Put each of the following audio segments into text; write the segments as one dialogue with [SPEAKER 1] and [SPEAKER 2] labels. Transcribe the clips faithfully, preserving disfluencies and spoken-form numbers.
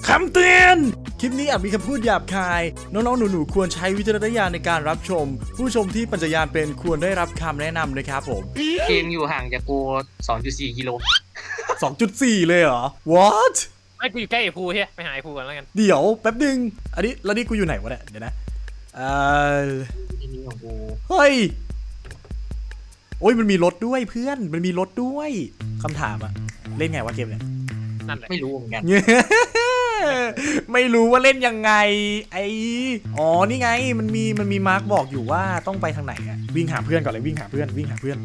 [SPEAKER 1] คำเตือนคลิปนี้อาจมีคำพูดหยาบคายน้องๆหนูๆควรใช้วิจารณญาณในการรับชมผู้ชมที่ปัญญายาณเป็นควรได้รับคำแนะนำนะครับผม
[SPEAKER 2] เกมอยู่ห่างจากกู สองจุดสี่ กิโล
[SPEAKER 1] สองจุดสี่ เลยเหรอ what
[SPEAKER 3] ไอ้กูอยู่ใกล้ไอ้ภูเฮ้ยไปหาไอ้ภูก่อนแล้วกัน
[SPEAKER 1] เดี๋ยวแป๊บนึงอันนี้แล้วนี่กูอยู่ไหนวะเนี่ยเดี๋ยวนะเออ
[SPEAKER 2] ที่นี่ของกู
[SPEAKER 1] เฮ้ยโอ้ยมันมีรถด้วยเพื่อนมันมีรถด้วยคำถามอะเล่นไงวะเกมเนี่ย
[SPEAKER 3] นั่นแหละ
[SPEAKER 2] ไม่รู้เหมือนกัน
[SPEAKER 1] ไม่รู้ว่าเล่นยังไงไออ๋อนี่ไงมันมีมันมีมาร์กบอกอยู่ว่าต้องไปทางไหนอะวิ่งหาเพื่อนก่อนเลยวิ่งหาเพื่อนวิ่งหาเพื่อน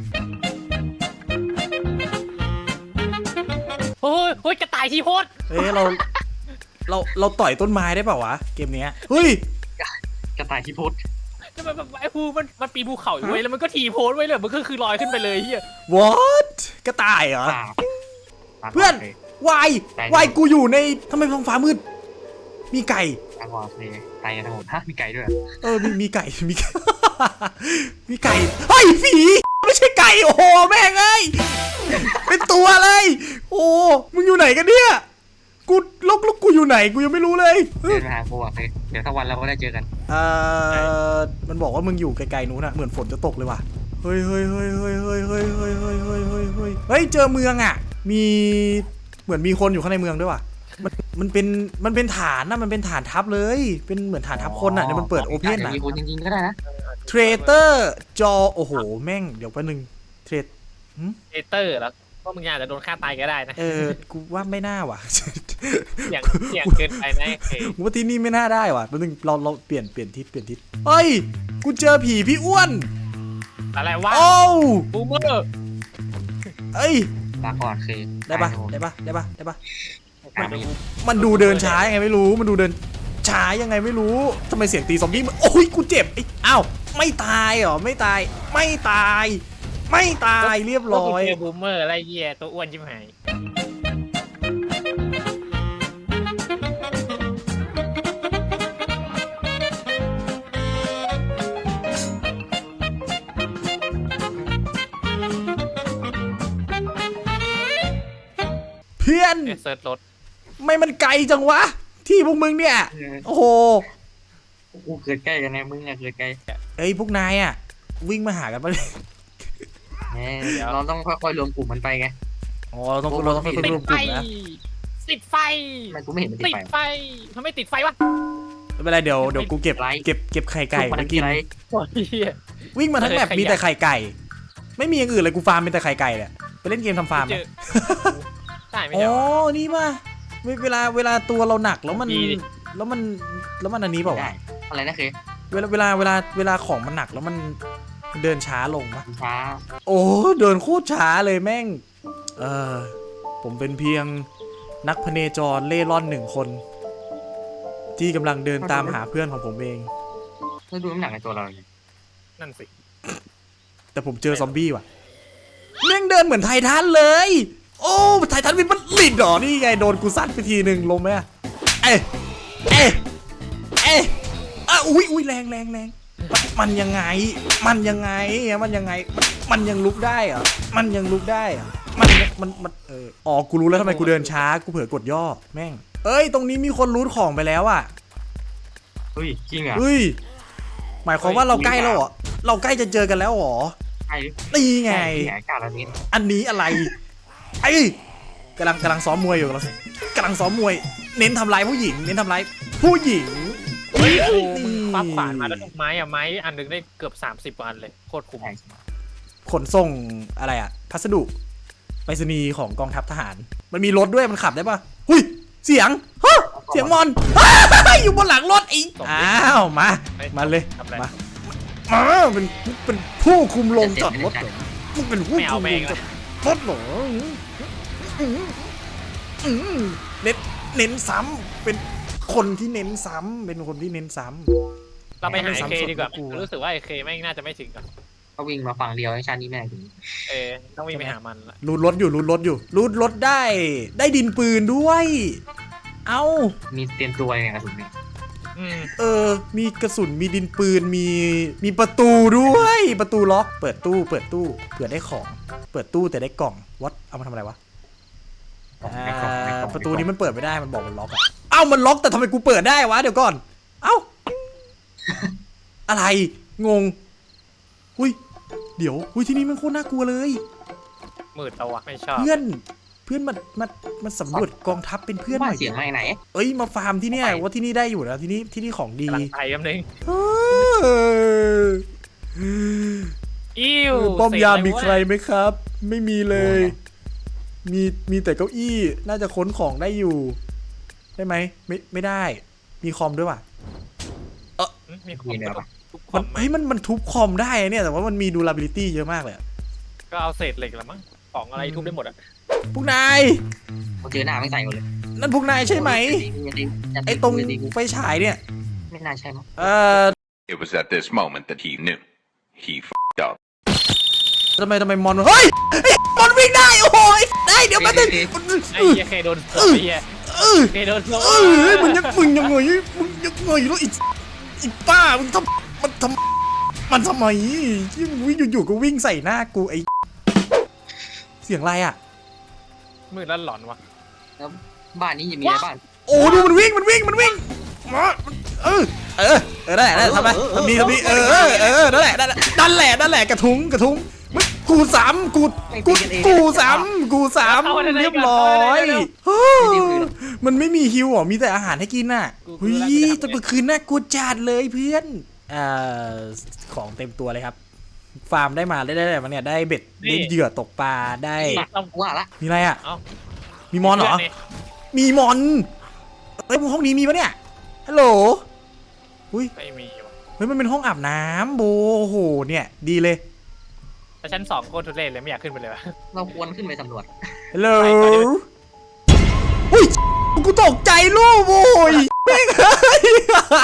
[SPEAKER 3] โอ้ยโอ้ยกระต่ายทีโพส
[SPEAKER 1] เอ้ยเราเราเราต่อยต้นไม้ได้เปล่าวะเกมเนี้ยเฮ้ย
[SPEAKER 2] กระต่ายที่พุทธ
[SPEAKER 3] จะมันไอ้ภูมันมันปีนภูเขาอยู่เว้ยแล้วมันก็ทีโพสไว้เลยมันก็คือลอยขึ้นไปเลยเฮีย
[SPEAKER 1] what กระต่ายเหรอ
[SPEAKER 2] ป่า
[SPEAKER 1] เพื่อนวายวายกูอยู่ในทำไมท้องฟ้ามืดมีไก่
[SPEAKER 2] ตาบอดเลยตายกันทั้งหมดฮะมีไก่ด้วย
[SPEAKER 1] เออมีมีไก่มี มีไก่เฮ้ยผีไม่ใช่ไก่โอ้โหแม่งเอ้ยเป็นตัวเลยโอ้มึงอยู่ไหนกันเนี่ยกูลกลกกูอยู่ไหนกูยังไม่รู้เลย
[SPEAKER 2] เดินมาหากูอ่ะเฮ้ยเดี๋ยวถ้าวันเราก็ได้เจอกัน
[SPEAKER 1] เออมันบอกว่ามึงอยู่ไกลๆนู้นอะเหมือนฝนจะตกเลยว่ะเฮ้ยเฮ้ยเฮ้ยเฮ้ยเฮ้ยเฮ้ยเฮ้ยเฮ้ยเฮ้ยเฮ้ยเฮ้ยเฮ้ยเจอเมืองอะมีเหมือนมีคนอยู่ข้างในเมืองด้วยว่ะมันมันเป็นมันเป็นฐานนะมันเป็นฐานทัพเลยเป็นเหมือนฐานทัพคนอะเดี๋ยวมันเปิดโอเพนอะ
[SPEAKER 2] มีคนจริงๆก็ได้นะ
[SPEAKER 1] เทรเตอร์จอโอ้โหแม่งเดี๋ยวแป๊บนึงเทรด
[SPEAKER 3] เอเตอร์แล้วก็มึงอาจจะโดนฆ่าตายก็ได้นะ
[SPEAKER 1] เออกูว่าไม่น่าว่ะ
[SPEAKER 3] เสี่ยงเสี่ยงเกินไปนะเฮ้ย
[SPEAKER 1] กูว่าที่นี่ไม่น่าได้ว่ะแป๊บนึงเราเราเปลี่ยนเปลี่ยนทิศเปลี่ยนทิศเฮ้ยกูเจอผีพี่อ้วน
[SPEAKER 3] อะไรวะ
[SPEAKER 1] โอ้
[SPEAKER 3] บูมเมอร์
[SPEAKER 1] เอ้ย
[SPEAKER 2] ลาก่อนเคย
[SPEAKER 1] ได้ปะได้ปะได้ปะได้ปะ
[SPEAKER 2] อ่าไม่
[SPEAKER 1] มันดูเดินช้ายังไงไม่รู้มันดูเดินช้ายังไงไม่รู้ทำไมเสียงตีซอมบี้มันโอ้ยกูเจ็บไอ้อ้าวไม่ตายเหรอไม่ตายไม่ตาย ไม่ตายเรียบร้อย
[SPEAKER 3] เจอบูมเมอร์อะไรเหี้ยตัวอ้วนชิบหาย
[SPEAKER 1] เพื่อน
[SPEAKER 3] เอเซิร์ชรถ
[SPEAKER 1] ไม่มันไกลจังวะที่พวกมึงเนี่ยโอ้โห
[SPEAKER 2] กูเกิดใกล้กันไงมึงอะเกิดใกล้
[SPEAKER 1] เอ้ยพวกนายอ่ะวิ่งมาหากันปะเนี่ย
[SPEAKER 2] แหมเราต้องค่อยๆรวมกลุ่มมันไปไง
[SPEAKER 1] อ๋อเราต้องเราต้องไป
[SPEAKER 3] ติ
[SPEAKER 1] ร
[SPEAKER 3] ด
[SPEAKER 1] วมก
[SPEAKER 3] ไฟ
[SPEAKER 1] ลุ่มนะ
[SPEAKER 3] ติดไฟ
[SPEAKER 2] ทำไมกูไม่เห็นมันติ
[SPEAKER 3] ติ
[SPEAKER 2] ด
[SPEAKER 3] ด
[SPEAKER 2] ไฟ
[SPEAKER 3] ไฟทำไมติดไฟวะ
[SPEAKER 1] ไม่เป็นไรเดี๋ยวเดี๋ยวกูเก็บ
[SPEAKER 2] ไร
[SPEAKER 1] เก็บเก็บไข่ไก่
[SPEAKER 2] มัน
[SPEAKER 1] มากิน
[SPEAKER 2] อะไร
[SPEAKER 3] โอ้ยเหี้ย
[SPEAKER 1] วิ่งมาทั้งแมป
[SPEAKER 3] เออ
[SPEAKER 1] มีแต่
[SPEAKER 3] ไข่
[SPEAKER 1] ไข่ไก่ ไม่มีอย่างอื่นเลยกูฟาร์มมีแต่ไข่ไก่เนี่ยไปเล่นเกมทำฟาร์ม
[SPEAKER 3] เจ
[SPEAKER 1] อะ
[SPEAKER 3] อได้ไม่
[SPEAKER 1] อ๋
[SPEAKER 3] ใช่
[SPEAKER 1] อ
[SPEAKER 3] วะ
[SPEAKER 1] นี่ป่ะเวเวลาเวลาตัวเราหนักแล้วมัน
[SPEAKER 3] ดีดิ
[SPEAKER 1] แล้วมันแล้วมันอันนี้เปล่า
[SPEAKER 2] ได้
[SPEAKER 1] วะ
[SPEAKER 2] อะไรนะเคย
[SPEAKER 1] เวลาเวลาเวลาเวลาของมันหนักแล้วมันเดินช้าลงปะ
[SPEAKER 2] ช้า
[SPEAKER 1] โอ้เดินโคตรช้าเลยแม่งเออผมเป็นเพียงนักพเนจรเล่ร่อนหนึ่งคน ที่กำลังเดินตามหาเพื่อนของผมเอง
[SPEAKER 2] แล้วดูน้ำหนักในตัวเราเนี่ย
[SPEAKER 3] นั่นสิ
[SPEAKER 1] แต่ผมเจอซอมบี้ว่ะแม่งเดินเหมือนไททันเลย โอ้ไททันวินมันลิดหรอนี่ไงโดนกูซัดไปทีหนึ่งลงไหมอะเอ๊ะเอ๊ะเอ๊ะอ่ะอุ้ยอุ้ยแรงแรงแรงมันมันยังไง มันยังไงมันยังไงมันมันยังลุกได้เหรอมันยังลุกได้เหรอมันยังมันมันเอออ๋อกูรู้แล้วทำไมกูเดินช้ากูเผลอกดย่อแม่งเอ้ยตรงนี้มีคนรูทของไปแล้วอ่ะ
[SPEAKER 2] เฮ้ยจริงเหรอ
[SPEAKER 1] เฮ้ยหมายความว่าเราใกล้แล้วเหรอเราใกล้จะเจอกันแล้วเหรอ
[SPEAKER 2] ใช่
[SPEAKER 1] นี่ไง
[SPEAKER 2] ใช่กาลนี้
[SPEAKER 1] อันนี้อะไรไอ้กำลังกำลังซ้อมมวยอยู่กำลังกำลังซ้อมมวย เน้นทำลายผู้หญิง เน้นทำลายผู้หญิง
[SPEAKER 3] เฮ้ยโอ้มึงคว้าขวานมาแล้วทุกไม้อะไม้อันหนึงได้เกือบสามสิบอันเลยโคตรคุ้ม
[SPEAKER 1] ขนส่งอะไรอะพัสดุไปรษณีย์ของกองทัพทหาร มันมีรถด้วยมันขับได้ปะหุยเสียงฮะเสียงมอนอยู่บนหลังรถอีกอ้าวมามาเลย
[SPEAKER 3] ทำอะไร
[SPEAKER 1] มามาเป็นเป็นผู้คุมโรงจอดรถเหรอมึงเป็นผู้
[SPEAKER 3] ไม่เอา
[SPEAKER 1] คุม
[SPEAKER 3] แม่
[SPEAKER 1] โรง งจอดรถเหรออืมอืมเน้นเน้นซ้ำเป็นคนที่เน้นซ้ำเป็นคนที่เน้นซ้ำ
[SPEAKER 3] เราไปหาไอเคดีกว่า
[SPEAKER 1] กูอะ
[SPEAKER 3] รู้สึกว่าไอเคแม่งน่าจะไม่ถึงอะ
[SPEAKER 2] ก็วิ่งมาฝั่งเดียวให้ชาตินี้แม่งถึง
[SPEAKER 3] เออต้องวิ่งไปหามันละ
[SPEAKER 1] รูดรถอยู่รูดรถอยู่รูดรถได้ได้ดินปืนด้วย เอ้า
[SPEAKER 2] มีเตรียมตัวยังไงกระสุนเนี่ย
[SPEAKER 3] อืม
[SPEAKER 1] เออมีกระสุนมีดินปืนมีมีประตูด้วยประตูล็อกเปิดตู้เปิดตู้เผื่อได้ของเปิดตู้แต่ได้กล่องวัดเอามาทำอะไรวะอ่าประตูนี้มันเปิดไม่ได้มันบอกมันล็อกอะเอ้ามันล็อกแต่ทำไมกูเปิดได้วะเดี๋ยวก่อนเอ้า อะไรงงอุ้ยเดี๋ยวอุ้ยที่นี่มันโคตรน่ากลัวเลย
[SPEAKER 3] มืดเอาวะไม่ชอบ
[SPEAKER 1] เพื่อนเพื่อนมามามาสำรวจกองทัพเป็นเพื่อนห
[SPEAKER 2] ว่า
[SPEAKER 1] น่อย
[SPEAKER 2] เสียงมาจากไหน
[SPEAKER 1] เอ้ยมาฟาร์มที่เนี่ยว่าที่นี่ได้อยู่นะที่นี่ที่นี่ของดี
[SPEAKER 3] กำลังไปแป๊บนึง
[SPEAKER 1] เออ
[SPEAKER 3] อิ้ว
[SPEAKER 1] ป้อมยาม
[SPEAKER 3] เส
[SPEAKER 1] มี
[SPEAKER 3] ร็จ
[SPEAKER 1] ใครไหมครับ ไม่มีเลย มีมีแต่เก้าอี้น่าจะค้นของได้อยู่ ได้ไหมไม่ไม่ได้ มีคอมด้วยว่ะ
[SPEAKER 3] มีคอมทุกค
[SPEAKER 1] มัน
[SPEAKER 3] น
[SPEAKER 1] เฮ้ยมันมันทุบคอมได้เนี่ยแต่ว่ามันมี durability เยอะมากเลยอะ
[SPEAKER 3] ก็เอาเศษเหล็กละมั้งของอะไรทุบได้หมดอ่ะ
[SPEAKER 1] พวกนาย
[SPEAKER 2] เขาเจอหน้าไม่ใส่หมดเลย
[SPEAKER 1] นั่นพวกนายใช่ไหมไอ้ตรงไฟฉายเนี่ย
[SPEAKER 2] ไม่น่าใช่มั้ง
[SPEAKER 1] เอ่อ
[SPEAKER 4] It was at this moment that he knew. He f***ed up.
[SPEAKER 1] ทำไมทำไมมอนเฮ้ยไอ้มอนวิ่งได้โอ้โหได้เดี๋ยวแป๊บนึง
[SPEAKER 3] ไอ้เหี้ยเคยโดนเสือไอ้เหี้ย
[SPEAKER 1] เออ
[SPEAKER 3] เคยโดนเสือ
[SPEAKER 1] เออมึงยังมึงยังไงมึงยังไงแล้วอีอีป้ามึงทำมันทำมันทำไมยิ่งวิ่งอยู่ๆก็วิ่งใส่หน้ากูไอ้เสียงอะไรอ่ะ
[SPEAKER 3] มืดแล้วหลอนวะ
[SPEAKER 2] แล้วบ้านนี้ยังมีอะไรบ้าง
[SPEAKER 1] โอ้ดูมันวิ่งมันวิ่งมันวิ่งมาเออเออเออนั่นแหละนั่นแหละทำไมทำดีทำดีเออเออเออนั่นแหละนั่นแหละนั่นแหละนั่นแหละกระทุ้งกระทุ้งมึงกูสามกูกูกูสามกูสามเรียบร้อยมันไม่มีฮิวหรอมีแต่อาหารให้กินน่ะเฮ้ยตอนกลางคืนน่ากลัวจัดเลยเพื่อนอ่าของเต็มตัวเลยครับฟาร์มได้มาได้ได้อะไรมาเนี่ยได้เบ็ดได้เหยื่อตกปลาได้
[SPEAKER 2] ต้องว่าละ
[SPEAKER 1] มีอะไรอ่ะ
[SPEAKER 3] เอ้า
[SPEAKER 1] มีมอนเหรอ มีมอนเอ้ยห้องนี้มีปะเนี่ย ฮัลโหล อุ้ย
[SPEAKER 3] ไม่มีวะ
[SPEAKER 1] เฮ้ยมันเป็นห้องอาบน้ำโบโอ้โห เนี่ย ดีเลย
[SPEAKER 3] แต่ชั้นสองโคตรทุเรศเลยไม่อยากขึ้นไปเลยวะ
[SPEAKER 2] เราควรขึ้นไปสำรวจ
[SPEAKER 1] ฮัลโหลอุ้ย กูตกใจรูปโอ้ยแม่งเฮ้ย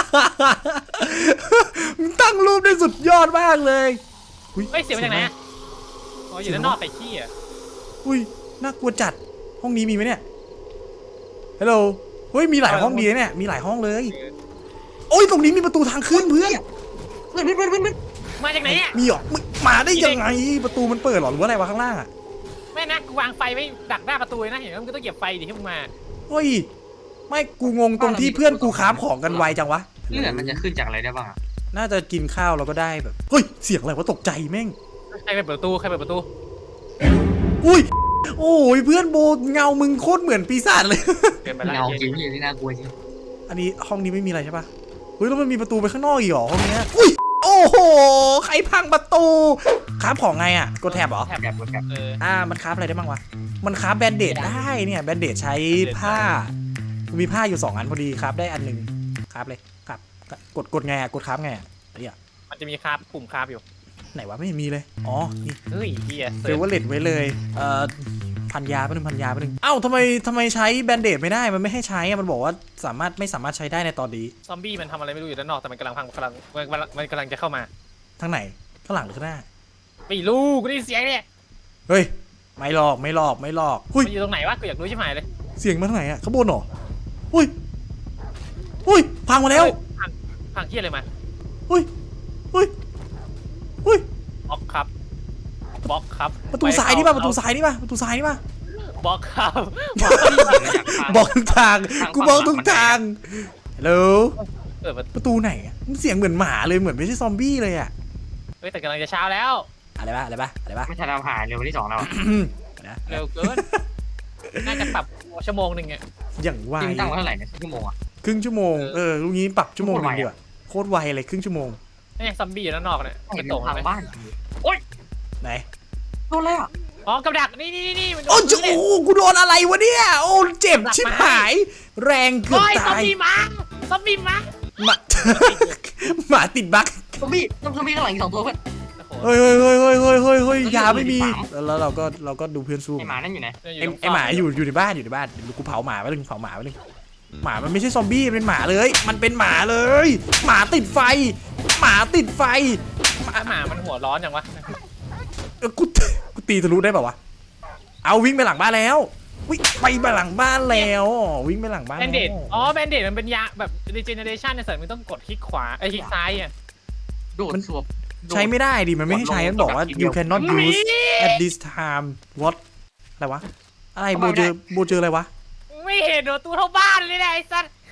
[SPEAKER 1] มึงตั้งรูปได้สุดยอดมากเลย
[SPEAKER 3] เฮ้ยเสียงมาจากไหนอะอ๋ออยู่ด้านนอกไปขี้อ่ะ
[SPEAKER 1] อุ้ย น่ากลัวจัด ห้องนี้มีไหมเนี่ย ฮัลโหล เฮ้ย มีหลายห้องดีนะเนี่ย มีหลายห้องเลย โอ้ย ตรงนี้มีประตูทางขึ้นเพื่อน
[SPEAKER 2] เพื่อนเพื่อนเพื่อนเพื่อน
[SPEAKER 3] มาจากไหนเนี่ย
[SPEAKER 1] มีเหรอมึงมาได้ยังไง ประตูมันเปิดเหรอหรือว่าอะไรวะข้างล่างอ่ะ
[SPEAKER 3] ไม่นะกูวางไฟไว้ดักหน้าประตูเลยนะเห็นไหมมึงก็ต้องเหยียบไฟดิที่มึงมา
[SPEAKER 1] เฮ้ย ไม่ กูงงตรงที่เพื่อนกูค้าของกันไวจังวะ
[SPEAKER 2] เลือดมันจะขึ้นจากอะไรได้บ้าง
[SPEAKER 1] น่าจะกินข้าวเราก็ได้แบบ เฮ้ย เสียงอะไรวะตกใจแม่ง
[SPEAKER 3] ใครเปิดประตูใครเปิดประตู
[SPEAKER 1] อุ้ย โอ้ยเพื่อนโบเงามึงโคตรเหมือนปีศาจเลย
[SPEAKER 3] เกินไปแล้ว
[SPEAKER 2] เงาจ
[SPEAKER 3] เย็
[SPEAKER 2] ริ
[SPEAKER 3] น
[SPEAKER 2] งที่น่ากลัวจริง
[SPEAKER 1] อันนี้ห้องนี้ไม่มีอะไรใช่ปะเฮ้ยแล้วมันมีประตูไปข้างนอกอีกเหรอห้องเนี้ยอุ้ย โอ้โห ใครพังประตูคราฟของไงอ่ะ กดแท็บเหรอ
[SPEAKER 2] แถบแบบแบบ
[SPEAKER 3] เออ
[SPEAKER 1] อ่า มันคราฟอะไรได้บ้างวะ มันคราฟแบนเดดได้เนี่ย แบนเดดใช้ผ้า มีผ้าอยู่สองอันพอดีคราฟได้อันหนึ่งคราฟเลยครับ กดกดไงอ่ะ กดคราฟไงอ่ะไอ้เหี้ย
[SPEAKER 3] มันจะมีคาบปุ่มคาบอยู่
[SPEAKER 1] ไหนวะไม่มีเลย อ๋อ นี่
[SPEAKER 3] เฮ้ยเฮีย
[SPEAKER 1] เฟเวอร์เลตไว้เลย เอ่อ พันยาไปหนึ่งพันยาไปหนึ่งเอ้าทำไมทำไมใช้แบนเดดไม่ได้ มันไม่ให้ใช้อะมันบอกว่าสามารถไม่สามารถใช้ได้ในตอนนี้
[SPEAKER 3] ซอมบี้มันทำอะไรไม่รู้อยู่ด้านนอกแต่มันกำลังพังกำลังมันกำลังมันกำลังจะเข้ามา
[SPEAKER 1] ทางไหน ข้างหลังหรือข้างหน้า
[SPEAKER 3] ไม่รู้กูได้ยินเสียงเนี่ย
[SPEAKER 1] เฮ้ย ไม่หลอก ไม่หลอก ไม่หลอกหุ้ย
[SPEAKER 3] มันอยู่ตรงไหนวะกูอยากรู้ใช่ไหมเลย
[SPEAKER 1] เสียงมาทางไหนอะข้างบนเหรอหุ้ยหุ้ย พังมาแล้ว
[SPEAKER 3] พังพังเฮียอะไรมา
[SPEAKER 1] หุ้ยหุ้ยหุ้ย
[SPEAKER 3] บล็อกครับบล็อกครับ
[SPEAKER 1] ประตูซ้ายนี่ป่ะ ประตูซ้ายนี่ป่ะ ประตูซ้ายนี่ป่ะ
[SPEAKER 3] บล็อกครับ
[SPEAKER 1] บอกทุกทาง กูบอกทุกทางฮัลโหล
[SPEAKER 3] เปิดประตู
[SPEAKER 1] ประตูไหนอะมันเสียงเหมือนหมาเลย เหมือนไม่ใช่ซอมบี้เลยอะ
[SPEAKER 3] เฮ้ยแต่กำลังจะเช้าแล้ว
[SPEAKER 1] อะไรป่ะ อะไรป่ะ อะไรป่ะ
[SPEAKER 2] ไม่ทันเราผ่านเร็ววันที่สองแล้ว
[SPEAKER 1] นะ
[SPEAKER 3] เร็วเกินน่าจะปรับชั่วโมงหนึ่งอะ
[SPEAKER 1] อย่างไว
[SPEAKER 2] จริงตั้งไว้เท่าไหร่เนี่ยชั่วโมงอ่ะ
[SPEAKER 1] ครึ่งชั่วโมง เออลูกนี้ปรับชั่วโมงหนึงดีกว่าโคตรไวเลยครึ่งชั่วโมง
[SPEAKER 3] นี่ซอมบี้อยู่ด้านนอกเนี่ย
[SPEAKER 2] ไม่
[SPEAKER 3] ไม่
[SPEAKER 2] ต
[SPEAKER 3] ต
[SPEAKER 2] ร
[SPEAKER 3] รง ง
[SPEAKER 2] ทาง
[SPEAKER 3] เลย
[SPEAKER 2] บ้าน
[SPEAKER 1] ไหน
[SPEAKER 2] โดนอะไรอ่ะ
[SPEAKER 3] อ๋อกับดักนี่นี่นี่มันโด
[SPEAKER 1] โอ้
[SPEAKER 3] น
[SPEAKER 1] โหกูโดนอะไรวะเนี่ย โอ้เจ็บชิบหาย แรงเกือบ
[SPEAKER 3] เฮ้ยซอม
[SPEAKER 1] ตาย
[SPEAKER 3] บี้มาซอมบี้มา
[SPEAKER 1] หมา หมาติดบั๊ก
[SPEAKER 2] ซอมบี้ซอมบี้ข้างหลังอีกสองตัวเพื่อน
[SPEAKER 1] เฮ้ยเฮ้ยเฮ้ยเฮ้ยเฮ้ยเฮ้ยเฮ้ยยาไม่มี แล้วเราก็เราก็ดูเพื่อนสู้
[SPEAKER 2] ไอหมานั่นอยู่ไหน
[SPEAKER 1] ไอไอหมาอยู่อยู่ในบ้านอยู่ในบ้านเดี๋ยวกูเผาหมาไปหนึ่งเผาหมาไปหนึ่งหมามันไม่ใช่ซอมบี้มันเป็นหมาเลย มันเป็นหมาเลย หมาติดไฟ หมาติดไฟ
[SPEAKER 3] หมาหมามันหัวร้อนอย่างวะ
[SPEAKER 1] เออกูกูตีทะลุได้ป่าวะเอาวิ่งไปหลังบ้านแล้ววิ่งไปหลังบ้านแล้ววิ่งไปหลังบ้าน
[SPEAKER 3] แบนเดด
[SPEAKER 1] แล้ว
[SPEAKER 3] อ๋อแบนเดดมันเป็นยาแบบ regeneration ในสัตว์มึงต้องกดคลิกขวาไอ้ยคลิกซ้ายอ่ะ
[SPEAKER 2] โดดสวบ
[SPEAKER 1] ใช้ไม่ได้ดิมันไม่ให้ใช้มันบอกว่า you cannot use at this time what อะไรวะอะไรโบเจอโบเจออะไรวะ
[SPEAKER 3] ไม่เห็นโดนตู้เท่าบ้านเลยนะไอ้สัตว์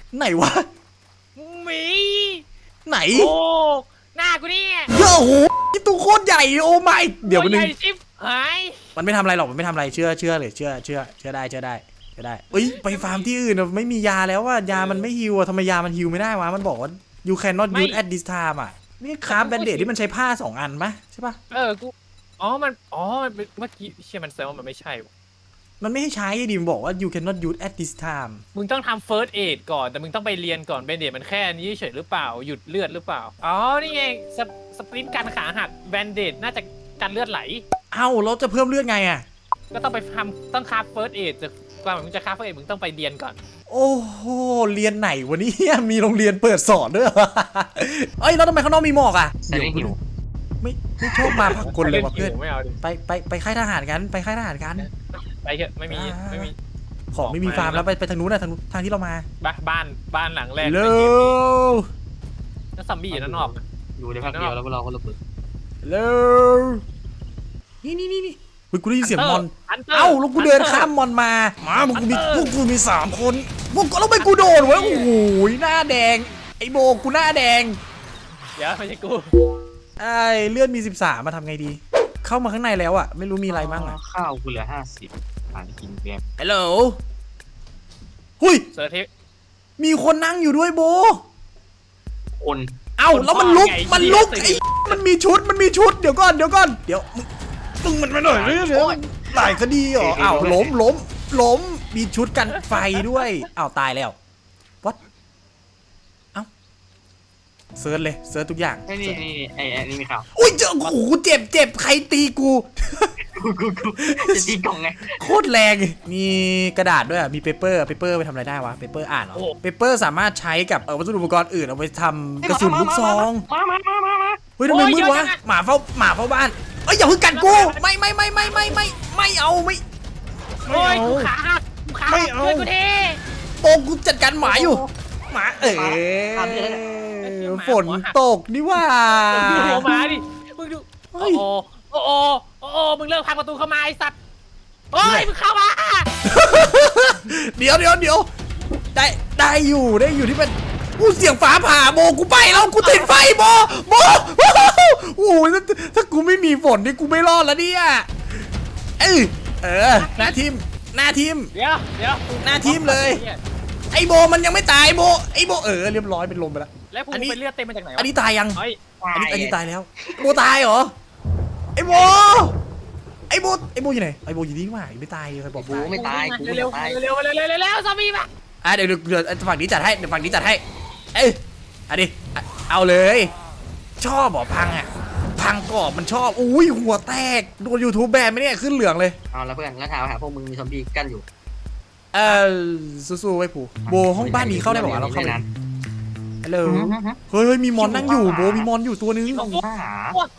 [SPEAKER 1] ไหนวะ
[SPEAKER 3] หมี
[SPEAKER 1] ไหน
[SPEAKER 3] โอ้หน้ากูเนี่ย
[SPEAKER 1] เยอะโอ้โหตัวโคตรใหญ่โอ้ไม่เดี๋ยว
[SPEAKER 3] ตั
[SPEAKER 1] มันนึง
[SPEAKER 3] ใหญ่ชิบหาย
[SPEAKER 1] มันไม่ทำอะไรหรอกมันไม่ทำอะไรเชื่อเชื่อเลยเชื่อเชื่อเชื่อได้เชื่อได้เชื่อได้เอ้ยไปฟาร์มที่อื่นอะไม่มียาแล้วว่ายามันไม่ฮิวอะทำไมยามันฮิวไม่ได้วะมันบอกว่า you cannot use at this time อะนี่คราฟแบนเดดที่มันใช้ผ้าสองอันปะใช่ปะ
[SPEAKER 3] เออกูอ๋อมันอ๋อมันเป็นเมื่อกี้เชี่ยมันแซวามันไม่ใช่ว่ะ
[SPEAKER 1] มันไม่ให้ใช้ดิมนบอกว่า you cannot use at this time
[SPEAKER 3] มึงต้องทำ first aid ก่อนแต่มึงต้องไปเรียนก่อนเบนเดตมันแค่นี้เฉยหรือเปล่าหยุดเลือดหรือเปล่าอ๋อนี่ไงสปสปรินต์การขาหักแบนเดตน่าจะกันเลือดไหล
[SPEAKER 1] เอ้าเราจะเพิ่มเลือดไงอะ
[SPEAKER 3] ก็ต้องไปทำต้องคราฟ first aid จะกว่ามึงจะคราฟ first aid มึงต้องไปเรียนก่อน
[SPEAKER 1] โอ้โหเรียนไหนวันนี้ มีโรงเรียนเปิดสอนด้วยเหรอเอ้ยแล้วทำไมข้างนอกมีหมอกอะ
[SPEAKER 2] ใส่ไม่หิว
[SPEAKER 1] ไม่ไม่ชอบมาพักคนเลยว่ะเพื่อน
[SPEAKER 3] ไม่เอาดิ
[SPEAKER 1] ไปไปไปค่ายทหารกันไปค่ายทหารกัน
[SPEAKER 3] ไปเถอะไม่มีไม่มี
[SPEAKER 1] ของไม่มีฟาร์มแล้วไปไปทางนู้นนะทางนู้นทางที่เรามา
[SPEAKER 3] บ้านบ้านบ้านหลังแรก
[SPEAKER 1] เร็
[SPEAKER 3] ในเกมนี้
[SPEAKER 1] ว
[SPEAKER 3] แล้วซอมบี้อยู่ด้านนอก
[SPEAKER 2] อยู่ในพักเดียวแล้วพวกเราก็ระเบิด
[SPEAKER 1] เร็วนี่นี่นี่นี่เฮ้ยกูได้ยินเสียงมอน
[SPEAKER 3] ฮันตร์
[SPEAKER 1] เอ้าแล้วกูเดินข้ามมอนมามาพวกกูมีพวกกูมีสามคนพวกกูแล้วไปกูโดนเว้ยโอ้โหหน้าแดงไอโบกูหน้าแดง
[SPEAKER 3] เดี๋ยวไม่ใช่กู
[SPEAKER 1] ไอเลือดมีสิบสามมาทำไงดี เข้ามาข้างในแล้วอะไม่รู้มีอะไรบ้างอะ
[SPEAKER 2] ข้าวกูเหลือห้าสิบผ่านกินแกม
[SPEAKER 1] ฮัลโหลหุย
[SPEAKER 3] เซอร์เทป
[SPEAKER 1] มีคนนั่งอยู่ด้วยโบ
[SPEAKER 2] คน
[SPEAKER 1] เอ้าแล้วมันลุก
[SPEAKER 3] ไง
[SPEAKER 1] มันลุก
[SPEAKER 3] ไอ้
[SPEAKER 1] ไอ้มันมีชุดมันมีชุดเดี๋ยวก่อนเดี๋ยวก่อนเดี๋ยวมึงมึงมันมาหน่อยเดี๋ยวเดี๋ยวหลายคดีเหรออ้าวล้มล้มล้มมีชุดกันไฟด้วยอ้าวตายแล้ววัดเอ้าเซิร์ชเลยเซิร์ชทุกอย่าง
[SPEAKER 2] ไอ้นี่นี่ไอ้ไอ้นี่มีข่าว
[SPEAKER 1] อุ้ยเจอโอ้โหเจ็บเจ็บใครตีกู
[SPEAKER 2] กูกูกูจะตีกล่องไง
[SPEAKER 1] โคตรแรงมีกระดาษด้วยอะมีเปเปอร์เปเปอร์ไปทำอะไรได้วะเปเปอร์อ่านเหรอเปเปอร์สามารถใช้กับเออวัสดุอุปกรณ์อื่นเอาไปทำกระสุนลูกซอง
[SPEAKER 2] มามามามามา
[SPEAKER 1] เฮ้ยทำไมมืดวะหมาเฝ้าหมาเฝ้าบ้านเอ้ยอย่าเพิ่งกัดกูไม่ไม่ไม่ไม่ไม่ไม่ไม่เอาไม่
[SPEAKER 3] โอ้ยกูขาหักกูขาหักช่วยกูที
[SPEAKER 1] โปงกูจัดการหมาอยู่หมาเอ๋ฝนตกนี่ว่า
[SPEAKER 3] มึงดูหัวหมาดิมึงดู
[SPEAKER 1] เฮ้
[SPEAKER 3] โอ้
[SPEAKER 1] ย
[SPEAKER 3] โอ้โอ้โอ้โอ้มึงเลิกพังประตูเข้ามาไอ้สัตว์โอ้ยมึงเข้ามา
[SPEAKER 1] เดี๋ยวเดี๋ยวเดี๋ยวได้ได้อยู่ได้อยู่ที่เป็นกูเสียงฟ้าผ่าโบกูไปแล้วกูติดไฟโบโบโอ้ยถ้าถ้ากูไม่มีฝนนี่กูไม่รอดแล้วเนี่ยเออเออหน้าทีมหน้าทีม
[SPEAKER 3] เดี๋ยวเดี๋ยว
[SPEAKER 1] หน้าทีมเลย ไอโบมันยังไม่ตายโบไอโบเออเรียบร้อยเป็นลมไปแล้ว
[SPEAKER 3] แล้วกู
[SPEAKER 1] อันนี้
[SPEAKER 3] เป็นเลือดเต็มมาจากไหนวะ
[SPEAKER 1] อันนี้ตายยัง
[SPEAKER 3] เฮ้ย
[SPEAKER 1] อันนี้อันนี้ตายแล้วโบตายเหรอไอโบไอโบไอโบอยู่ไหนไอโบอยู่นี่ว่าไม่ตายใครบอก
[SPEAKER 2] กูไม่ตายกูไม่
[SPEAKER 3] เร็ว
[SPEAKER 2] ตาย
[SPEAKER 3] เร็วเร็วเร็วเร็วเร็วซอมบี้มา
[SPEAKER 1] อ่ะเดี๋ยวเดี๋ยวเดี๋ยวฝั่งนี้จัดให้เดี๋ยวฝั่งนี้จัดให้เอ้ยอันนี้เอาเลย ชอบบอกพังอ่ะพังกรอบมันชอบอุ้ยหัวแตกโดน YouTube แบนไหมเนี่ยขึ้นเหลืองเลย
[SPEAKER 2] เอาแล้วเพื่อนแล้วถามหาพวกมึงมีซอมบี้กั้นอยู่
[SPEAKER 1] เออสู้ๆไว้ผู้โบห้องบ้านนี้เข้าได้บอกว่าเราเข้าไปฮัลโหลเฮ้ยเฮ้ยมีมอนนั่งอยู่โบมีมอนอยู่ตัวนึง
[SPEAKER 2] ต้องหา
[SPEAKER 3] โอ้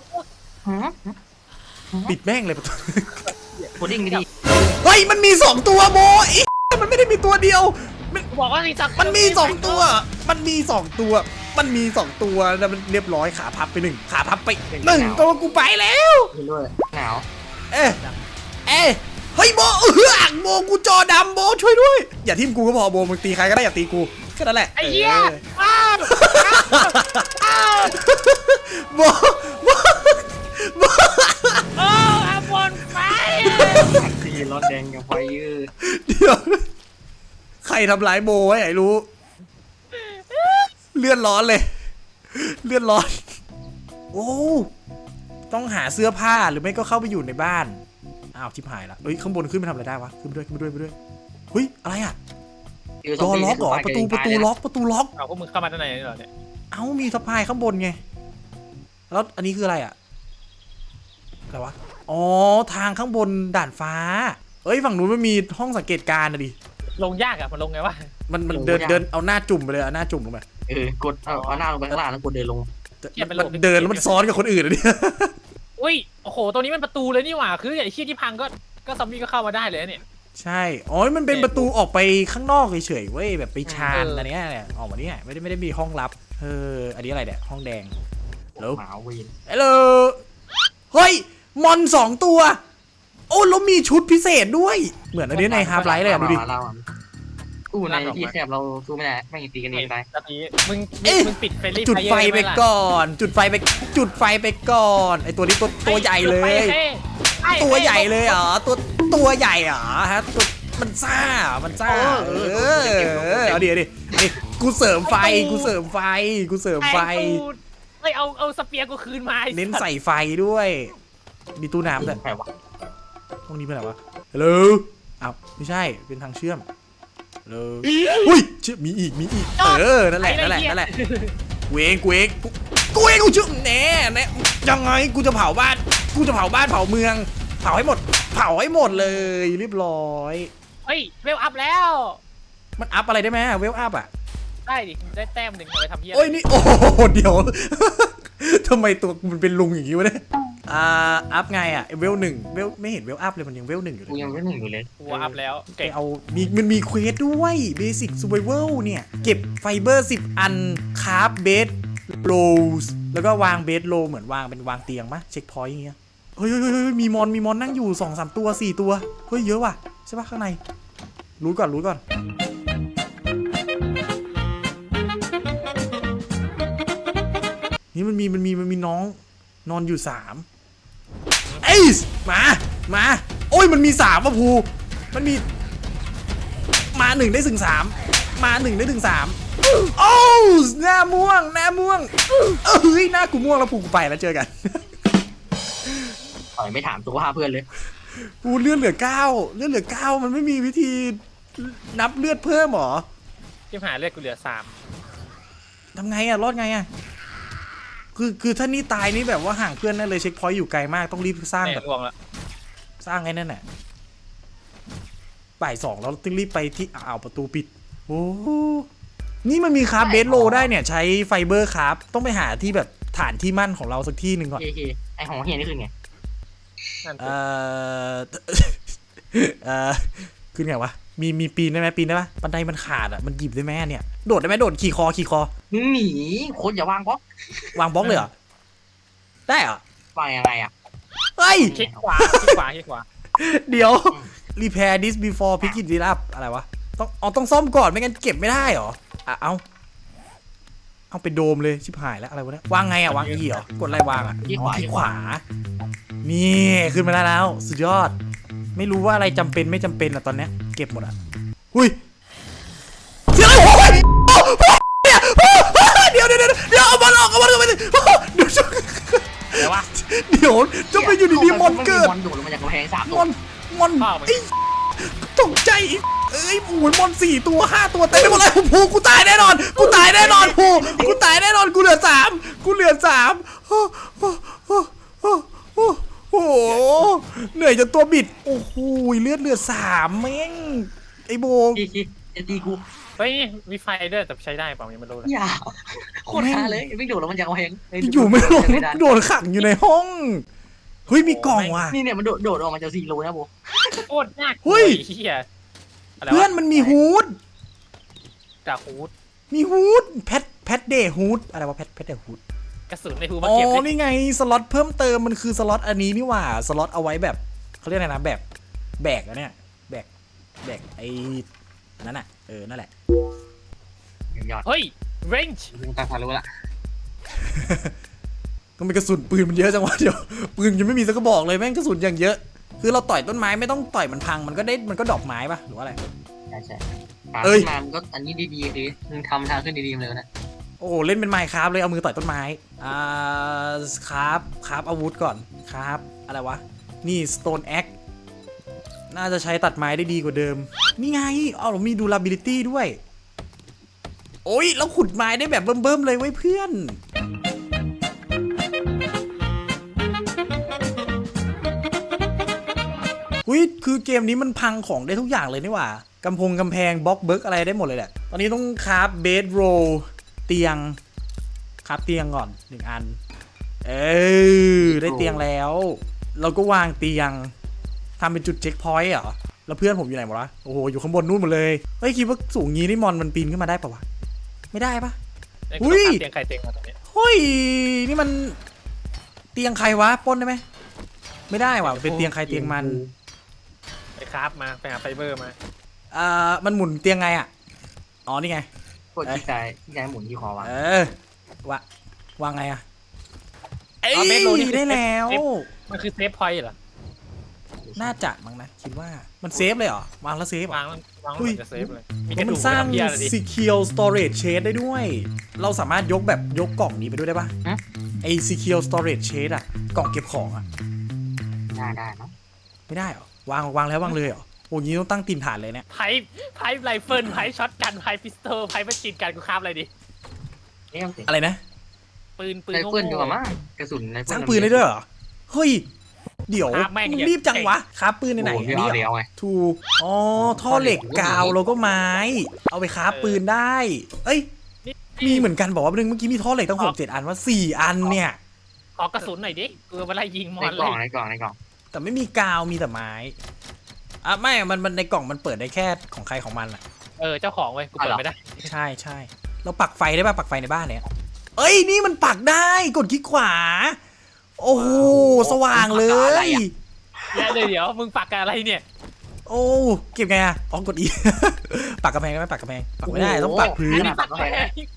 [SPEAKER 1] ปิดแม่งเลยประตู
[SPEAKER 2] โคดิ้งดี
[SPEAKER 1] เฮ้ยมันมีสองตัวโบอีมันไม่ได้มีตัวเดียวมัน
[SPEAKER 3] กูบอกว่าไอ้สัตว์
[SPEAKER 1] มันมีสองตัว มันมีสองตัว มันมีสองตัวแล้วมันเรียบร้อยขาพับไปหนึ่งขาพับไปหนึ่งตัวกูไปแล้ว
[SPEAKER 2] ๆด้วยหนาว
[SPEAKER 1] เอ๊ะเอ๊ะเฮ้ยโบเอออ่างโบกูจอดำโบช่วยด้วยอย่าทิมกูก็พอโบมึงตีใครก็ได้อย่าตีกูแค่นั้นแหละ
[SPEAKER 3] ไอ้เหี้ย
[SPEAKER 1] เออ
[SPEAKER 3] อ้าวอ้าว
[SPEAKER 1] โบโบโบ
[SPEAKER 3] โอ้อาบนไฟ
[SPEAKER 2] ตีร้อนแดงกับไฟยืด
[SPEAKER 1] เดี๋ยวใครทำร้ายโบไว้ไอ้รู้เลือดร้อนเลยเลือดร้อนโอ้ต้องหาเสื้อผ้าหรือไม่ก็เข้าไปอยู่ในบ้านอ้าวทิพหายละเอ้ยข้างบนขึ้นไปทำอะไรได้วะขึ้นไปด้วยขึ้นไปด้วยไปด้วยเฮ้ยอะไรอ่ะดอล็อกเหรอประตูประตูล็อกประตูล็อก
[SPEAKER 3] เอาพวกมึงเข้ามาด้านในนี่เหรอเนี่ย
[SPEAKER 1] เอ้ามีสะพายข้างบนไงแล้วอันนี้คืออะไรอ่ะอะไรวะอ๋อทางข้างบนด่านฟ้าเอ้ยฝั่งนู้นมันมีห้องสังเกตการณ์นะดิ
[SPEAKER 3] ลงยากอะมันลงไงวะ
[SPEAKER 1] มันมันเดินเดินเอาหน้าจุ่มไปเลยเอาหน้าจุ่มลงไป
[SPEAKER 2] เออกดเอาเอาหน้าลงไปข้างล่างแล้วกดเดินลง
[SPEAKER 1] มันเดินแล้วมันซ้อนกับคนอื่นอะเนี่ย
[SPEAKER 3] อุ้ยโอ้โหตัวนี้มันประตูเลยนี่หว่าคือไอ้เชี่ยที่พังก็ก็ซอมบี้ก็เข้ามาได้เลยเนี่ย
[SPEAKER 1] ใช่อ๋อมันเป็นประตูออกไปข้างนอกเฉยๆเว้ยแบบไปชานอันเนี้ยเนี่ยออกมาเนี่ยไม่ได้ไม่ได้มีห้องลับเอออันนี้อะไรเนี่ยห้องแดง แล้ว
[SPEAKER 2] หมาเวน
[SPEAKER 1] ฮัลโหลเฮ้ยมอนสองตัวโอ้แล้วมีชุดพิเศษด้วยเหมือนอันนี้ในฮาร์ฟไลท์เลยอะดูดิ
[SPEAKER 2] เราอะตู้ในที่แคบเราสู้ไม่ได้ไม่งตีกันเองตาย
[SPEAKER 3] ตะกี้มึง
[SPEAKER 1] เอ๊ะ
[SPEAKER 3] มึงปิดเฟรนลี่
[SPEAKER 1] จุดไฟไป
[SPEAKER 3] อน
[SPEAKER 1] ก่อน จุดไฟไปจุดไฟไปก่อนไอตัวนี้ตัวตัวใหญ่เลย ตัวใหญ่เลยเหรอตัวตัวใหญ่เหรอฮะตัวมันซ่ามันซ่าเออเอาดิเอาดินี่กูเสริมไฟกูเสริมไฟกูเสริมไฟ
[SPEAKER 3] ไอ้ยเอาเอาสเปียร์กูคืนมาไอ้
[SPEAKER 1] เน้นใส่ไฟด้วยมีตู้น้ำด้วย
[SPEAKER 2] ใครวะ
[SPEAKER 1] ห้องนี้เป็นอะไรวะฮัลโหลอ้าวไม่ใช่เป็นทางเชื่อมฮัลโหลอุ้ยเชื่อมีอีกมีอีกเออนั่นแหละนั่นแหละนั่นแหละกูเองกูเองกูกูเองกูเชื่อแน่แน่ยังไงกูจะเผาบ้านกูจะเผาบ้านเผาเมืองเผาให้หมดเผาให้หมดเลยเรียบร้อย
[SPEAKER 3] เฮ้ยเวลอัพแล้ว
[SPEAKER 1] มันอัพอะไรได้ไหมเวลอัพอ่ะ
[SPEAKER 3] ได้ดิได้แต้มหนึ่งเอาไปทำเหี้ย
[SPEAKER 1] โอ้ยนี่โอ้โหเดี๋ยว ทำไมตัวมันเป็นลุงอย่างนี้วะเนี่ยอ่าอัพไงอ่ะเวลหนึ่งเวลไม่เห็นเวลอัพเลยมันยังเวลหนึ่งอยู่เล
[SPEAKER 2] กู
[SPEAKER 1] ย
[SPEAKER 2] ยังไม่หนึ่งอยู่เลย
[SPEAKER 3] กูอัพแล้ว
[SPEAKER 1] ไป
[SPEAKER 3] เก่ง
[SPEAKER 1] เอามีมันมีเควสด้วยเบสิกซูเ i เวลเนี่ยเก็บไฟเบอร์สิบอันคราฟเบสโลสแล้วก็วางเบสโลเหมือนวางเป็นวางเตียงมะเช็คพอยต์อย่างเงี้ยเฮ้ยเฮ้ยเฮ้ยเฮ้ยมีมอนมีมอนนั่งอยู่สองสามตัวสี่ตัวเฮ้ยเยอะว่ะใช่ปะข้างในรู้ก่อนรู้ก่อนนี่มันมีมันมีมันมีน้องนอนอยู่สามเอ้ยมามาโอ้ยมันมีสามว่ะภูมันมีมาหนึ่งได้ถึงสามมาหนึ่งได้ถึงสามโอ้หน้าม่วงหน้าม่วงเอ้ยหน้ากูม่วงแล้วภูกูไปแล้วเจอกัน
[SPEAKER 2] ต่อยไม่ถามตัวเพื่อนเลย
[SPEAKER 1] ภูเลือดเหลือเก้าเลือดเหลือเก้ามันไม่มีวิธีนับเลือดเพิ่มหรอ
[SPEAKER 3] ที่หาเลือดกูเหลือสาม
[SPEAKER 1] ทำไงอะรอดไงอะคือคือถ้านี่ตายนี่แบบว่าห่างเพื่อนนั่นเลยเช็คพอยต์อยู่ไกลมากต้องรีบสร้าง
[SPEAKER 3] แม่
[SPEAKER 1] แบบ
[SPEAKER 3] งวงละ
[SPEAKER 1] สร้างไอ้นั่นแหละบ่ายสองแล้วต้องรีบไปที่อ่าวประตูปิดโอ้โหนี่มันมีคราฟเบสโลได้เนี่ยใช้ไฟเบอร์คราฟต้องไปหาที่แบบฐานที่มั่นของเราสักที่หนึ่งก่อน
[SPEAKER 2] เคเคไอของเฮียนี่คือไง
[SPEAKER 3] นั่นสิ
[SPEAKER 1] เอ่อ เอ่อขึ้นไงวะมีมีปีนได้ไหมปีนได้ปะบันไดมันขาดอ่ะมันหยิบได้ไหมเนี่ยโดดได้ไหมโดดขี่คอขี่คอ
[SPEAKER 2] มึงหนีโคนอย่าวางบล็อก
[SPEAKER 1] วางบล็อกเลยเหรอได้เหรอ
[SPEAKER 2] วางยังไงอ่ะ
[SPEAKER 1] เฮ้ย
[SPEAKER 3] คลิกขวาคลิกขวาคลิกขวา
[SPEAKER 1] เดี๋ยว repair this before picking it up อะไรวะต้องเอาต้องซ่อมก่อนไม่งั้นเก็บไม่ได้เหรออ่ะเอาเอาไปโดมเลยชิบหายแล้วอะไรวะเนี่ยวางไงอ่ะวางอีเหรอกดอะไรวางอ่ะอ๋อคลิกขวานี่ขึ้นมาได้แล้วสุดยอดไม่รู้ว่าอะไรจำเป็นไม่จำเป็นอ่ะตอนเนี้ยเก็บหมดอ่ะหุ้ยเสียงอะไรโอ้ยเนี่ยเดี๋ยวเดี๋ยวเดี๋ยวเดี๋ยวเอาบอลออกเอาบอลออกไปเลยเดี๋ยว
[SPEAKER 3] แต่ว่า
[SPEAKER 1] เดี๋ยวจะไปอยู่ดีๆมอนเกิด
[SPEAKER 2] มอนโดดลงมาจากกำแพงสาม
[SPEAKER 1] ม
[SPEAKER 2] ตัว
[SPEAKER 1] อนมอน
[SPEAKER 3] พ่อมึง
[SPEAKER 1] ไอ้ตกใจอีกเอ้ยโอ้ยมอนสี่ตัวห้าตัวเต็มไปหมดเลยภูกูตายแน่นอนกูตายแน่นอนภูกูตายแน่นอนกูเหลือสามกูเหลือสามโอ้โหโอ้โหโอ้โหเหนื่อยจนตัวบิดโอ้โหเลือดเหลือสามแม่งไอ้โบ
[SPEAKER 2] คีคีจะตีกู
[SPEAKER 3] เฮ้ยมีไฟด้วยแต่ใช้ได้เปล่ายังไม่รู้เลย
[SPEAKER 2] อย่าโคตรฮาเลยไม่โดดลงมาจากกำแพง
[SPEAKER 1] อยู่ไม่รอดโดนขังอยู่ในห้องเฮ้ยมีกล่องว่ะ
[SPEAKER 2] นี่เนี่ยมันโดดโดดออกมาจากซีโร่นะโบ
[SPEAKER 3] โคตรยาก
[SPEAKER 1] เฮ้ย
[SPEAKER 3] เฮียอะไรวะ
[SPEAKER 1] เพื่อนมันมีฮูด
[SPEAKER 3] จากฮูด
[SPEAKER 1] มีฮูดแพทแพทเดย์ฮูดอะไรวะแพทแพทเดย์ฮูด
[SPEAKER 3] กระสุนในฮูดมา
[SPEAKER 1] อ๋อ
[SPEAKER 3] เก็บดิ
[SPEAKER 1] นี่ไงสล็อตเพิ่มเติมมันคือสล็อตอันนี้นี่หว่าสล็อตเอาไว้แบบเขาเรียกอะไรนะแบบแบกอะเนี่ยแบกแบกไอ้อันนั้นอะเออนั่นแหละ
[SPEAKER 2] ยอด
[SPEAKER 3] เฮ้ยเรนจ์
[SPEAKER 2] มึงตาทารู้ละ
[SPEAKER 1] ก็มีกระสุนปืนมันเยอะจังวะเดี๋ยวปืนยังไม่มีสักกระบอกเลยแม่งกระสุนอย่างเยอะ คือเราต่อยต้นไม้ไม่ต้องต่อยมันพังมันก็ได้มันก็ดอกไม้ปะหรือว่าอะไร
[SPEAKER 2] ใช่ใช่
[SPEAKER 1] เอ้ย
[SPEAKER 2] มามันก็อันนี้ดีๆดิมึงทำทางขึ้นดีๆเลยนะ
[SPEAKER 1] โอ้โหเล่นเป็นไมค์ครับเลยเอามือต่อยต้นไม้อ่าครับครับอาวุธก่อนครับอะไรวะนี่ stone axe น่าจะใช้ตัดไม้ได้ดีกว่าเดิมนี่ไงอ๋อเรามี durability ด้วยโอ้ยแล้วขุดไม้ได้แบบเบิ่มๆเลยไว้ยเพื่อนอุ้ยคือเกมนี้มันพังของได้ทุกอย่างเลยนี่หว่ากำพงกำแพงบล็อกเบิร์กอะไรได้หมดเลยแหละตอนนี้ต้องคราฟเบดโรเตียงคราฟเตียงก่อนหนึ่งอันเออได้เตียงแล้ว เราก็วางเตียงทำเป็นจุดเช็คพอยต์เหรอแล้วเพื่อนผมอยู่ไหนหมดวะโอ้โหอยู่ข้างบนนู่นหมดเลยเฮ้ยคิดว่าสูงงี้นี่มอนมันปีนขึ้นมาได้ปะวะไม่ได้ปะ
[SPEAKER 3] ไอ้
[SPEAKER 1] อุ้
[SPEAKER 3] กู
[SPEAKER 1] ย
[SPEAKER 3] ต้องการเตียงไข่เตียงมาตรงนี้
[SPEAKER 1] เฮ้ยนี่มันเตียงใครวะปล้นได้ไหมไม่ได้ว่ะเป็นเตียงใครเตียงมัน
[SPEAKER 3] ไปคราฟมาไปหาไฟเบอร์มา
[SPEAKER 1] อ่ามันหมุนเตียงไงอ่ะอ๋อนี่ไง
[SPEAKER 2] กดที่กายที่กายหมุนที่คอวาง
[SPEAKER 1] เออวะวางไงอะเอ้ย
[SPEAKER 3] อ๋อเบสโลนี่คือ
[SPEAKER 1] ได้แล้ว
[SPEAKER 3] เซฟ มันคือเซฟพอยต์เหรอ
[SPEAKER 1] น่าจะมั้งนะคิดว่ามันเซฟเลยเหรอวางแล้วเซฟเหร
[SPEAKER 3] วา
[SPEAKER 1] อง
[SPEAKER 3] วาง
[SPEAKER 1] อุ้ย
[SPEAKER 3] มันจะเซฟเลยมี
[SPEAKER 1] เพ
[SPEAKER 3] กระ
[SPEAKER 1] ราะมั
[SPEAKER 3] ดู
[SPEAKER 1] น
[SPEAKER 3] ก
[SPEAKER 1] สร้าง
[SPEAKER 3] ทำเหี้ยอะไรดิ
[SPEAKER 1] secure storage shade ได้ด้วย เราสามารถยกแบบยกกล่องนี้ไปด้วยได้ปะไอ้ secure storage shade อะกล่องเก็บของอะ
[SPEAKER 2] ได้ได้เนาะ
[SPEAKER 1] ไม่ได้เหรอวางวางแล้ววางเลยเหรอโอ้ยงี้ต้องตั้งตีนฐานเลยเนี่ย
[SPEAKER 3] ไพ่ไพ่ไรเฟิลไพ่ช็อตกันไพ่พิสโตลไพ่ประจินกันกูคาบอะไรดิ
[SPEAKER 2] นี่เอาสิ
[SPEAKER 1] อะไรนะ
[SPEAKER 3] ปืนปืน
[SPEAKER 2] ไร
[SPEAKER 3] โง่
[SPEAKER 2] เฟิลดีกว่ามั้งกระสุนไรเฟิล
[SPEAKER 1] สร้างปืนได้ด้วยเหรอเฮ้ยเดี๋ยว
[SPEAKER 3] คาบแม่ง
[SPEAKER 1] มึง
[SPEAKER 3] อย่า
[SPEAKER 1] รีบจังวะคราฟปืนในไหน
[SPEAKER 2] โอ้
[SPEAKER 1] อัน
[SPEAKER 2] โห
[SPEAKER 1] นี้
[SPEAKER 2] เดี๋ยว
[SPEAKER 1] เหรอ
[SPEAKER 2] เอาไง
[SPEAKER 1] ถูกอ๋อท่อเหล็กกาวแล้วก็ไม้ เอาไปคราฟปืนได้ เอ้ย
[SPEAKER 3] นี่
[SPEAKER 1] มีเหมือนกันบอกว่าเมื่อกี้มีท่อเหล็กตั้งหกเจ็ดอันว่าสี่อันเนี่ย
[SPEAKER 3] ขอกระสุนหน่อยดิกูมาไล่ยิงม
[SPEAKER 2] ใน
[SPEAKER 3] อน
[SPEAKER 2] ก
[SPEAKER 3] เล
[SPEAKER 2] ล่อง
[SPEAKER 3] ย
[SPEAKER 2] ในกล่องในกล่อง
[SPEAKER 1] แต่ไม่มีกาวมีแต่ไม้อ่ะไม่มันมันในกล่องมันเปิดได้แค่ของใครของมันอ่ะ
[SPEAKER 3] เออเจ้าของเว้ยกูเปิดไม่ได้
[SPEAKER 1] ใช่ใช่เราปักไฟได้ป่ะปักไฟในบ้านเนี่ยเอ้ยนี่มันปักได้กดคลิกขวา โอ้โหสว่างเลย
[SPEAKER 3] แล้วเดี๋ยวเดี๋ยวมึงปักกับอะไรเนี่ย
[SPEAKER 1] โอ้เก็บไงอ่ะอ๋อกดอี ปักกระแพงได้ไหมปักกระแพงปักไม่ได้ต้องปักพื้น
[SPEAKER 2] ปักไป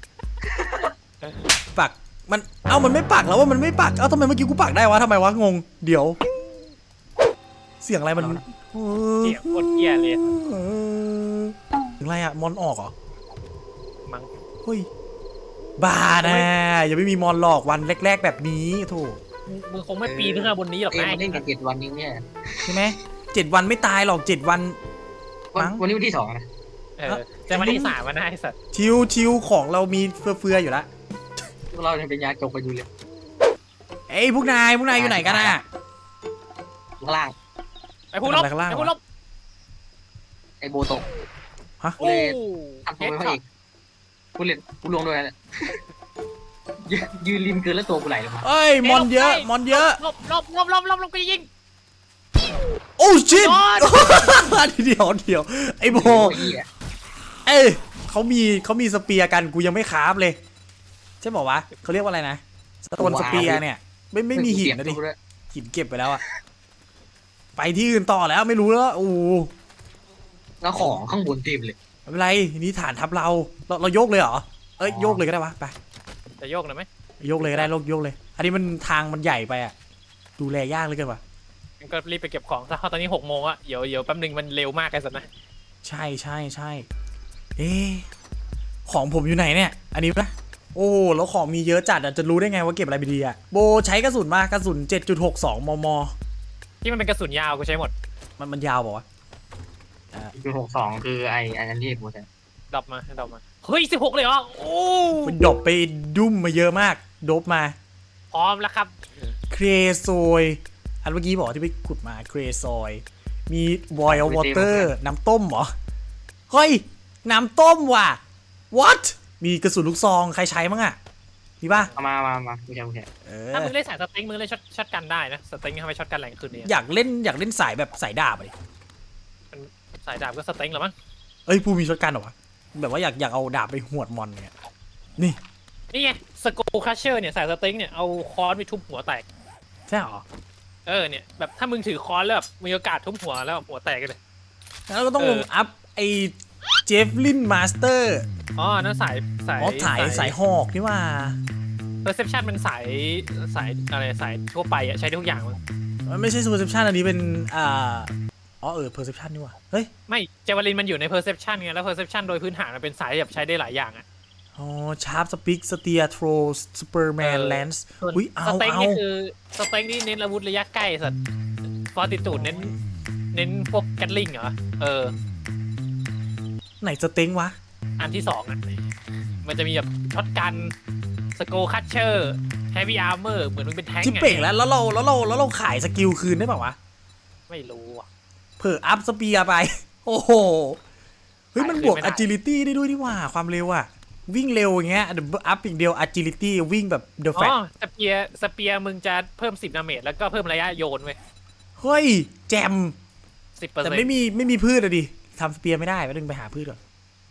[SPEAKER 1] ปักมันเอ้ามันไม่ปักแล้วว่ามันไม่ปักเอ้าทำไมเมื่อกี้กูปักได้วะทำไมวะงงเดี๋ยว เสียงอะไรมัน
[SPEAKER 3] เสียงโคตรเหี้ยเลย
[SPEAKER 1] เสียงอะไรอะมอนออกเหรอ
[SPEAKER 3] มั้ง
[SPEAKER 1] เฮ้ยบ้านะอย่าไม่มีมอนหลอกวันแรก ๆ แบบนี้โถ
[SPEAKER 3] มึงมึงคงไม่ปีนขึ้นมาบนนี้หรอก
[SPEAKER 2] เอ้ย
[SPEAKER 3] นะ
[SPEAKER 2] มันเล่นกันเจ็ดวันนี้เนี่ย
[SPEAKER 1] ใช่ไหมเจ็ดวันไม่ตายหรอกเจ็ดวัน
[SPEAKER 2] วัน
[SPEAKER 1] มั้ง
[SPEAKER 2] วันนี้วันที่สองนะ
[SPEAKER 3] เออจะมาที่สามมาได้สัตว์
[SPEAKER 1] ชิวชิวของเรามีเฟือๆอยู่แล้ว
[SPEAKER 2] พวกเรายังเป็นยาจกกันอยู่เลย
[SPEAKER 1] เอ้ยพวกนายพวกนายอยู่ไหนกันอะ
[SPEAKER 2] ข้างล่าง
[SPEAKER 3] ไอ้ผู้ลบ
[SPEAKER 1] ทำอะไรข้างล่าง
[SPEAKER 3] ไอ้
[SPEAKER 1] วะ
[SPEAKER 3] ผู้ลบ
[SPEAKER 2] ไอโบโตะ
[SPEAKER 1] ฮะ
[SPEAKER 3] โอ้
[SPEAKER 2] ทำตัวเป็นพระเอกกูเล่นกูลวงด้วยนะยืนยืนริมเกินแล้วตัวกูไหลลงมา
[SPEAKER 1] เอ้ยมอนเยอะมอนเยอะ
[SPEAKER 3] ลบลบลบลบลบลบกูจะยิง
[SPEAKER 1] โอ้ชิต
[SPEAKER 3] มอน
[SPEAKER 1] เดี๋ยวเดี๋ยวไอ้โบ
[SPEAKER 2] โอ้ยอ่ะ
[SPEAKER 1] เอ้ยเขามีเขามีสเปียร์กันกูยังไม่คราฟเลยใช่บอกวะเขาเรียกว่าอะไรนะสโตนสเปียร์เนี่ยไม่ไม่มีหินนะดิ
[SPEAKER 2] เปลี่ยตัวด้วย
[SPEAKER 1] หินเก็บไปแล้วอะไปที่อื่นต่อแล้วไม่รู้แล้วโอ้
[SPEAKER 2] แล้วของข้างบนเต็มเลย
[SPEAKER 1] ไม่เป็นไรนี่ฐานทับเราเราเราโยกเลยเหรอเอ้ยโยกเลยก็ได้วะไป
[SPEAKER 3] จะโยกหน่อยไหม
[SPEAKER 1] โยกเลยก็ได้โยกโยกเลย อันนี้มันทางมันใหญ่ไปอะดูแลยากเหลยกันวะ
[SPEAKER 3] งั้นก็รีบไปเก็บของซะเพราะตอนนี้หกโมงอะเดี๋ยวเดี๋ยวแป๊บนึงมันเร็วมากไอ้สัตว์นะ
[SPEAKER 1] ใช่ใช่ใช่เอ๊ะของผมอยู่ไหนเนี่ย อันนี้ปะโอ้แล้วของมีเยอะจัดอะจะรู้ได้ไงว่าเก็บอะไรไปดีอะโบใช้กระสุนมากกระสุน เจ็ดจุดหกสอง มม
[SPEAKER 3] ที่มันเป็นกระสุนยาวกูใช้หมด
[SPEAKER 1] มันมันยาวบอกว่าว
[SPEAKER 2] คือหกสองคือไออันนั้นที่กูใช่
[SPEAKER 3] ดรอปมาดรอปมาเฮ้ยสิบหกเลยเหรอโอ้
[SPEAKER 1] ะมันดรอปไปดุ้มมาเยอะมากโดบมา
[SPEAKER 3] พร้อมแล้วครับ
[SPEAKER 1] เครโซยอันเมื่อกี้บอกที่ไปขุดมาเครโซยมีบอยล์วอเตอร์น้ำต้มเหรอเฮ้ยน้ำต้มว่ะ what มีกระสุนลูกซองใครใช้มั้งอะมีป่ะ
[SPEAKER 2] เอามามามากูใช่กูใช่
[SPEAKER 1] เอ
[SPEAKER 3] ถ้า
[SPEAKER 1] อ
[SPEAKER 3] มึงเล่นสายสเต็งมึงเล่นช็อตช็อตกันได้นะสเต็งทำไมช็อตกันแรงขึ้นเนี่ย
[SPEAKER 1] อยากเล่นอยากเล่นสายแบบสายดาบอะดิ
[SPEAKER 3] สายดาบก็สเต็งเหรอมั้ง
[SPEAKER 1] เอ้ยผู้มีช็อตกันเหรอวะแบบว่าอยากอยากเอาดาบไปหวดมอนเนี่ยนี่
[SPEAKER 3] นี่ไงสกูคัชเชอร์เนี่ยสายสเต็งเนี่ยเอาค้อนไปทุบหัวแตก
[SPEAKER 1] ใช่เหรอ
[SPEAKER 3] เออเนี่ยแบบถ้ามึงถือค้อนแล้วแบบมีโอกาสทุบหัวแล้วหัวแตกกันเลย
[SPEAKER 1] แล้วก็ต้อง
[SPEAKER 3] เอ
[SPEAKER 1] ล
[SPEAKER 3] อ
[SPEAKER 1] งอัพไอ้เจฟลินมาสเตอร์
[SPEAKER 3] อ๋อนั่นสายสาย
[SPEAKER 1] อ๋อสายสายหอกนี่ว่า
[SPEAKER 3] เพอร์เซพชันมันสายสายอะไรสายทั่วไปอะใช้ได้ทุกอย่างมั้ง
[SPEAKER 1] มันไม่ใช่ perception อันนี้เป็นอ่าอ๋อเออ perception นี่ว่าเฮ้ย
[SPEAKER 3] ไม่เจวาลินมันอยู่ในเพอร์เซพชันไงแล้วเพอร์เซพชันโดยพื้นฐานมันเป็นสายแบบใช้ได้หลายอย่างอะ
[SPEAKER 1] อ๋อชาร์ปสปิกสเตียโทรสเปอร์แมน
[SPEAKER 3] เออ
[SPEAKER 1] แลนส์
[SPEAKER 3] ส่วน
[SPEAKER 1] อุ้ยเอา
[SPEAKER 3] สเต็ง
[SPEAKER 1] เอา
[SPEAKER 3] นี่คือสเต็งนี่เน้นอาวุธระยะใกล้สัตว์ฟอร์ติจูดเน้นเน้นพวกแกตลิงเหรอเออ
[SPEAKER 1] ไหนสเต็งวะ
[SPEAKER 3] อันที่สองอ่ะมันจะมีแบบช็อตกันสโกคัตเชอร์แฮฟวี่อาร์เมอร์เหมือนมันเป็นแท้ง
[SPEAKER 1] ที่เป่งแล้วแล้วเราแล้วเราแล้วเราขายสกิลคืนได้ป่าวะ
[SPEAKER 3] ไม่รู้อ่ะ
[SPEAKER 1] เผื่ออัพสเปียร์ไป โอ้โห เฮ้ย มันบวก
[SPEAKER 3] ขายคืนไม่ได้
[SPEAKER 1] agility ได้ด้วยนี่หว่า ความเร็วอะวิ่งเร็วอย่างเงี้ยเดี๋ยวอัพอีกเดียว agility วิ่งแบบ the
[SPEAKER 3] อ๋
[SPEAKER 1] fat
[SPEAKER 3] อสเปียร์สเปียร์มึงจะเพิ่มสิบดาเมจแล้วก็เพิ่มระยะโยนเว้ย
[SPEAKER 1] เฮ้ย แจม
[SPEAKER 3] สิบเปอร์
[SPEAKER 1] แต่
[SPEAKER 3] เซ็นต์
[SPEAKER 1] ไม่มีไม่มีพืชอะดิทำสเปียร์ไม่ได้ไปดึงไปหาพืชก่อน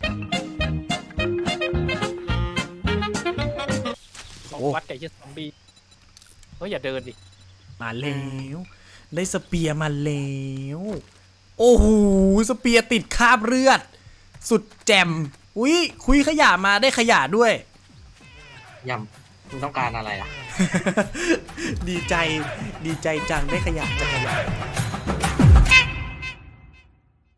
[SPEAKER 1] โอ้
[SPEAKER 3] วัดไก่เชี่ยซอมบี้เฮ้ยอย่าเดินดิ
[SPEAKER 1] มาแล้ว ได้สเปียร์มาแล้ว โอ้โห สเปียร์ติดคราบเลือด สุดแจมอุ้ยคุยขยะมาได้ขยะด้วย
[SPEAKER 2] ยำมึงต้องการอะไรอ่ะ
[SPEAKER 1] ดีใจดีใจจังได้ขยะจากขยะ